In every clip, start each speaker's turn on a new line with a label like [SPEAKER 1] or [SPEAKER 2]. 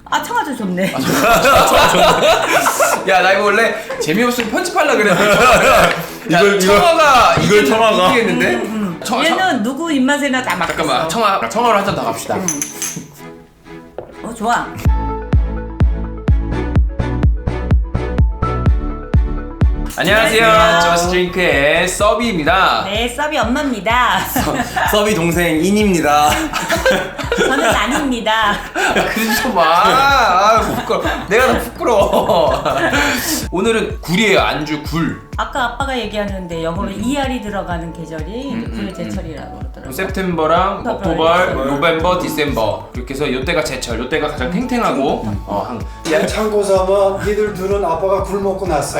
[SPEAKER 1] 아 청아도 좋네.
[SPEAKER 2] 야, 나 이거 원래 재미없으면 편집하려고 그랬는데
[SPEAKER 3] 이걸 청아가
[SPEAKER 2] 이기겠는데?
[SPEAKER 1] 얘는 누구 입맛에나 다 맞겠어.
[SPEAKER 2] 잠깐만, 청아로 한 잔 더 갑시다.
[SPEAKER 1] 좋아.
[SPEAKER 2] 안녕하세요. 저스트 드링크의 서비입니다.
[SPEAKER 1] 네, 서비 엄마입니다.
[SPEAKER 3] 서비 동생 인입니다.
[SPEAKER 1] 저는 아닙니다.
[SPEAKER 2] 그러지 좀 마. 부끄러워. 내가 더 부끄러워. 오늘은 굴이에요. 안주 굴.
[SPEAKER 1] 아까 아빠가 얘기하는데 영어로 ER이 들어가는 계절이 굴 제철이라고 그러더라고요.
[SPEAKER 2] 세프템버랑 옥토버, 노벰버, 디셈버 이렇게 해서 요때가 제철, 요때가 가장 탱탱하고
[SPEAKER 4] 야 참고 삼아 니들 둘은 아빠가 굴 먹고 났어.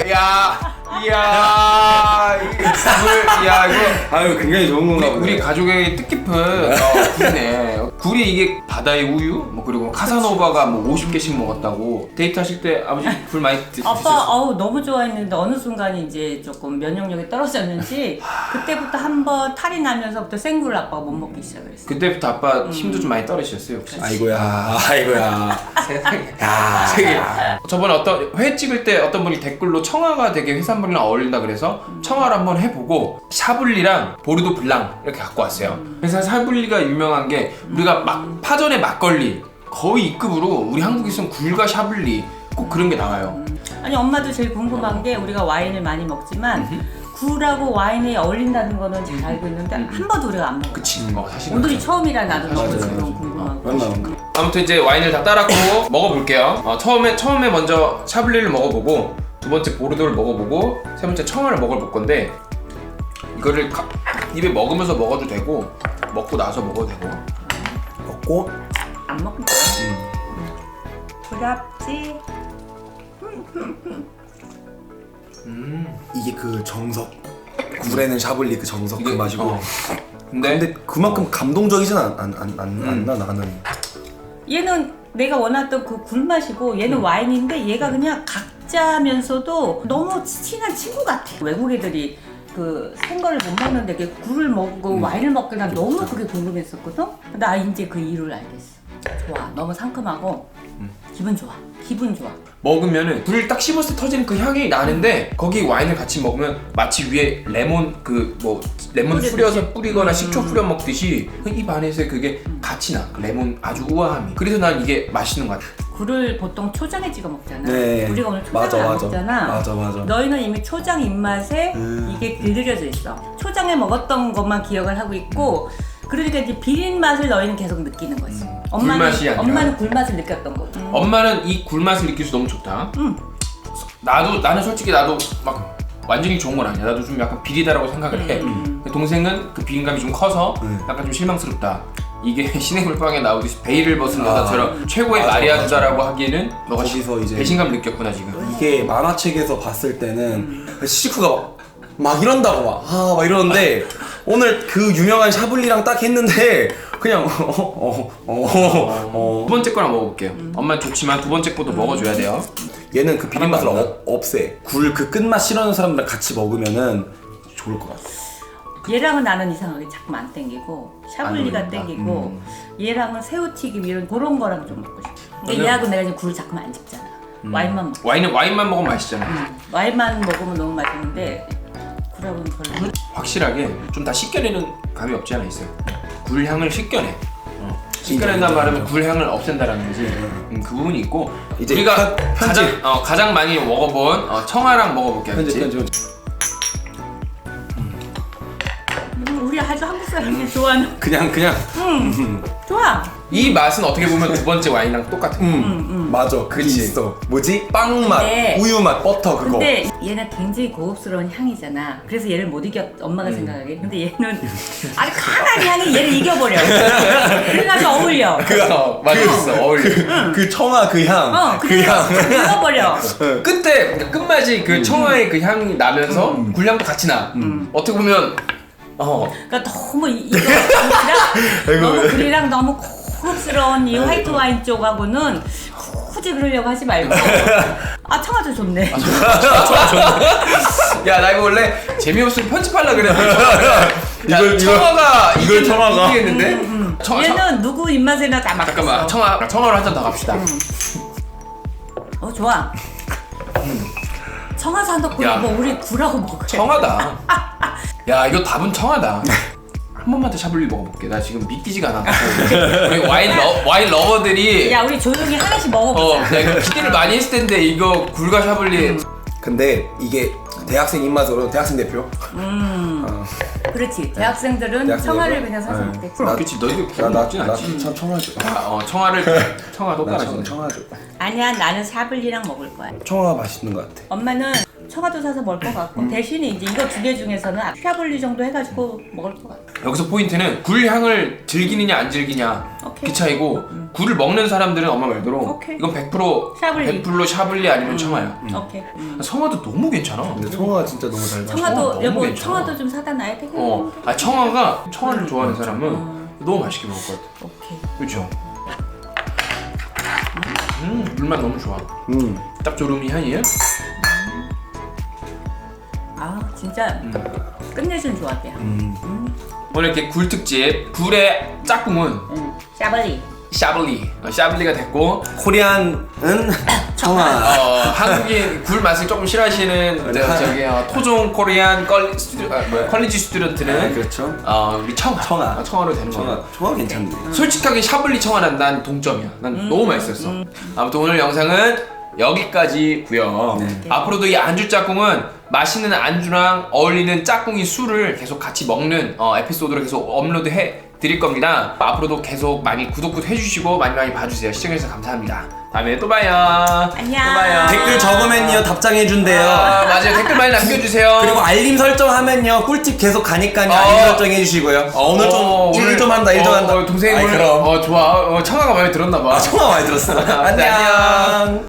[SPEAKER 2] 이야 이게 굴, 야 이거
[SPEAKER 3] 아유 굉장히 좋은 건가 보네.
[SPEAKER 2] 우리 가족의 뜻깊은 굴이네. 굴이 이게 바다의 우유, 뭐 그리고 카사노바가 뭐 50개씩 먹었다고. 데이트하실 때 아버지 굴 많이 드셨어요?
[SPEAKER 1] 아빠 너무 좋아했는데 어느 순간 이제 조금 면역력이 떨어졌는지 그때부터 한번 탈이 나면서부터 생굴을 아빠가 못 먹기 시작했어요.
[SPEAKER 2] 그때부터 아빠 힘도 좀 많이 떨어지셨어요 혹시?
[SPEAKER 3] 아이고야.
[SPEAKER 2] 세상에.
[SPEAKER 3] 야.
[SPEAKER 2] 되게 저번에 어떤 회 찍을 때 어떤 분이 댓글로 청아가 되게 해산물이랑 어울린다 그래서 청아를 한번 해보고 샤블리랑 보르도 블랑 이렇게 갖고 왔어요. 그래서 샤블리가 유명한 게 우리가 막 파전에 막걸리 거의 E급으로 우리 한국에서는 굴과 샤블리 꼭 그런 게 나와요.
[SPEAKER 1] 아니 엄마도 제일 궁금한 게 우리가 와인을 많이 먹지만 굴하고 와인이 어울린다는 거는 잘 알고 있는데 한 번도 우리가 안 먹어.
[SPEAKER 2] 그치. 사실은
[SPEAKER 1] 오늘이
[SPEAKER 2] 맞아.
[SPEAKER 1] 처음이라 나도 너무
[SPEAKER 3] 맞아.
[SPEAKER 1] 지금 궁금하고.
[SPEAKER 3] 맞나?
[SPEAKER 2] 아무튼 이제 와인을 다 따랐고 먹어볼게요. 처음에 먼저 샤블리를 먹어보고 두 번째 보르도를 먹어보고 세 번째 청아를 먹어볼 건데 이거를 입에 먹으면서 먹어도 되고 먹고 나서 먹어도 되고.
[SPEAKER 3] 먹고
[SPEAKER 1] 안 먹는다. 부럽지?
[SPEAKER 3] 이게 그 정석. 굴에는 샤블리 그 정석 그
[SPEAKER 2] 이게-
[SPEAKER 3] 맛이고.
[SPEAKER 2] 근데
[SPEAKER 3] 근데 그만큼 감동적이진 않나 나는.
[SPEAKER 1] 얘는 내가 원했던 그 굴맛이고 얘는 와인인데 얘가 그냥 각자면서도 너무 친한 친구 같아. 외국 애들이 그 생거를 못 먹는데 이렇게 굴을 먹고 와인을 먹고 난 너무 그게 궁금했었거든? 나 이제 그 이유를 알겠어. 좋아. 너무 상큼하고 기분 좋아.
[SPEAKER 2] 먹으면은 굴을 딱 씹었을 때 터지는 그 향이 나는데 거기 와인을 같이 먹으면 마치 위에 레몬 레몬 뿌려서 뿌리거나 식초 뿌려 먹듯이 입 안에서 그게 같이 나. 그 레몬 아주 우아함이. 그래서 난 이게 맛있는 것 같아.
[SPEAKER 1] 굴을 보통 초장에 찍어 먹잖아.
[SPEAKER 3] 네.
[SPEAKER 1] 우리가 오늘 초장을 안 먹잖아.
[SPEAKER 3] 맞아.
[SPEAKER 1] 너희는 이미 초장 입맛에 이게 길들여져 있어. 초장에 먹었던 것만 기억을 하고 있고 그러니까 이제 비린 맛을 너희는 계속 느끼는 거지.
[SPEAKER 2] 굴맛이 아니라.
[SPEAKER 1] 엄마는 굴맛을 느꼈던 거고.
[SPEAKER 2] 엄마는 이 굴맛을 느낄 수 너무 좋다. 나는 솔직히 나도 막 완전히 좋은 건 아니야. 나도 좀 약간 비리다라고 생각을 해. 동생은 그 비린감이 좀 커서 약간 좀 실망스럽다. 이게 신의 물방에 나오듯이 베일을 벗은 여자처럼 최고의
[SPEAKER 3] 맞아,
[SPEAKER 2] 마리아주다라고 하기에는 너가
[SPEAKER 3] 거기서 이제
[SPEAKER 2] 배신감 느꼈구나 지금.
[SPEAKER 3] 이게 만화책에서 봤을 때는 시쿠가 막 이런다고 막 이러는데 오늘 그 유명한 샤블리랑 딱 했는데 그냥
[SPEAKER 2] 두 번째 거랑 먹어볼게요. 엄마는 좋지만 두 번째 것도 먹어줘야 돼요.
[SPEAKER 3] 얘는 그 비린 맛을
[SPEAKER 2] 하나만
[SPEAKER 3] 없애. 굴 그 끝맛 싫어하는 사람들랑 같이 먹으면은 좋을 것 같아.
[SPEAKER 1] 얘랑은 나는 이상하게 자꾸 안 땡기고 샤블리가
[SPEAKER 2] 어울린다.
[SPEAKER 1] 땡기고 얘랑은 새우튀김 이런 그런 거랑 좀 먹고 싶어. 근데
[SPEAKER 2] 저는-
[SPEAKER 1] 얘하고 내가 지금 굴을 자꾸만 안 집잖아. 와인만 먹고.
[SPEAKER 2] 와인만 먹으면 맛있잖아.
[SPEAKER 1] 와인만 먹으면 너무 맛있는데 굴하고는 별로.
[SPEAKER 2] 확실하게 좀 다 씻겨내는 감이 없지 않아 있어요. 굴 향을 씻겨내. 씻겨낸다는 말은 굴 향을 없앤다라는 거지. 그 부분이 있고
[SPEAKER 3] 이제
[SPEAKER 2] 우리가
[SPEAKER 3] 편집.
[SPEAKER 2] 가장 많이 먹어본 청아랑 먹어볼게요. 그치?
[SPEAKER 1] 우리 아주 한국 사람들이 좋아하는.
[SPEAKER 3] 그냥
[SPEAKER 1] 좋아.
[SPEAKER 2] 이 맛은 어떻게 보면 두 번째 와인이랑 똑같아.
[SPEAKER 3] 맞아. 그게
[SPEAKER 2] 그치.
[SPEAKER 3] 있어. 뭐지? 빵 맛,
[SPEAKER 1] 네.
[SPEAKER 3] 우유 맛, 버터 그거.
[SPEAKER 1] 근데 얘는 굉장히 고급스러운 향이잖아. 그래서 얘를 못 이겨 엄마가 생각하기에. 근데 얘는 아주 강한 향이 얘를 이겨버려. 그래가지고 어울려.
[SPEAKER 2] 맛있어. 어울려.
[SPEAKER 3] 그 청아 그 향. 그 향.
[SPEAKER 1] 이겨버려.
[SPEAKER 2] 끝에 그러니까 끝맛이 그 청아의 그 향이 나면서 굴향도 같이 나. 어떻게 보면
[SPEAKER 1] 그러니까 너무 굴이랑 너무 고급스러운 이 화이트 와인 쪽하고는 굳이 그러려고 하지 말고. 아 청아도 좋네.
[SPEAKER 2] 야, 나 이거 원래 재미없으면 편집하려고 그랬는데
[SPEAKER 3] 이걸 청아가
[SPEAKER 2] 이기겠는데?
[SPEAKER 1] 얘는 누구 입맛에나 다 맞겠어.
[SPEAKER 2] 잠깐만, 청아로 한 잔 더 갑시다.
[SPEAKER 1] 좋아. 청아 산덕
[SPEAKER 2] 야.
[SPEAKER 1] 뭐 우리 굴하고 먹어요.
[SPEAKER 2] 청하다. 야 이거 답은 청하다. 한 번만 더 샤블리 먹어볼게. 나 지금 믿기지가 않아. 우리 와인 러버들이
[SPEAKER 1] 야 우리 조용히 하나씩 먹어보자.
[SPEAKER 2] 내가 이거 기대를 많이 했을 텐데 이거 굴과 샤블리.
[SPEAKER 3] 근데 이게 대학생 입맛으로 대학생 대표.
[SPEAKER 1] 그렇지. 대학생들은
[SPEAKER 3] 대학생들은?
[SPEAKER 1] 청아를 그냥 사서
[SPEAKER 3] 네.
[SPEAKER 1] 먹겠지.
[SPEAKER 2] 그럼 그렇지. 너희들 굴 먹진 않지.
[SPEAKER 3] 나 청아죠.
[SPEAKER 2] 청아도 따라지.
[SPEAKER 3] 청아죠.
[SPEAKER 1] 아니야 나는 샤블리랑 먹을 거야.
[SPEAKER 3] 청아 맛있는 것 같아.
[SPEAKER 1] 엄마는 청아도 사서 먹을 것 같고 대신에 이제 이거 두 개 중에서는 샤블리 정도 해가지고 먹을 것 같아.
[SPEAKER 2] 여기서 포인트는 굴 향을 즐기느냐 안 즐기냐
[SPEAKER 1] 오케이.
[SPEAKER 2] 그 차이고 굴을 먹는 사람들은 엄마 말대로
[SPEAKER 1] 오케이.
[SPEAKER 2] 이건 100%
[SPEAKER 1] 샤블리.
[SPEAKER 2] 100% 샤블리 아니면 청아야.
[SPEAKER 1] 오케이.
[SPEAKER 2] 청아도 너무 괜찮아.
[SPEAKER 3] 근데 청아가 진짜 너무 잘 맞아.
[SPEAKER 1] 청아도
[SPEAKER 2] 너무
[SPEAKER 1] 여보
[SPEAKER 2] 괜찮아.
[SPEAKER 1] 청아도 좀 사다 놔야 되겠네.
[SPEAKER 2] 청아를 좋아하는 사람은 너무 맛있게 먹을 것 같아.
[SPEAKER 1] 오케이.
[SPEAKER 2] 그렇죠. 물맛 너무 좋아.
[SPEAKER 3] 음.
[SPEAKER 2] 짭조름이 향이에요.
[SPEAKER 1] 아 진짜 끝내주는 조합이야.
[SPEAKER 2] 오늘 이렇게 굴 특집 굴의 짝꿍은
[SPEAKER 1] 샤블리.
[SPEAKER 2] 샤블리가 됐고
[SPEAKER 3] 코리안은 청아.
[SPEAKER 2] 한국인 굴 맛을 조금 싫어하시는 토종 코리안 컬리지 스튜던트는
[SPEAKER 3] 그렇죠.
[SPEAKER 2] 우리 청아로 되는 거야.
[SPEAKER 3] 청아 괜찮네.
[SPEAKER 2] 솔직하게 샤블리 청아는 난 동점이야. 난 너무 맛있었어. 아무튼 오늘 영상은 여기까지고요.
[SPEAKER 3] 네.
[SPEAKER 2] 앞으로도 이 안주 짝꿍은 맛있는 안주랑 어울리는 짝꿍이 술을 계속 같이 먹는 에피소드로 계속 업로드해 드릴 겁니다. 앞으로도 계속 많이 구독 해주시고 많이 봐주세요. 시청해주셔서 감사합니다. 다음에 또 봐요.
[SPEAKER 1] 안녕.
[SPEAKER 2] 또 봐요.
[SPEAKER 3] 댓글 적으면요 답장해준대요.
[SPEAKER 2] 맞아요. 댓글 많이 남겨주세요.
[SPEAKER 3] 그리고 알림 설정하면요 꿀팁 계속 가니까요. 알림 설정해주시고요. 오늘 좀 일 좀 한다.
[SPEAKER 2] 동생이
[SPEAKER 3] 아이,
[SPEAKER 2] 오늘
[SPEAKER 3] 그럼.
[SPEAKER 2] 좋아. 청아가 마음에 들었나봐.
[SPEAKER 3] 청아 많이 들었어. 안녕.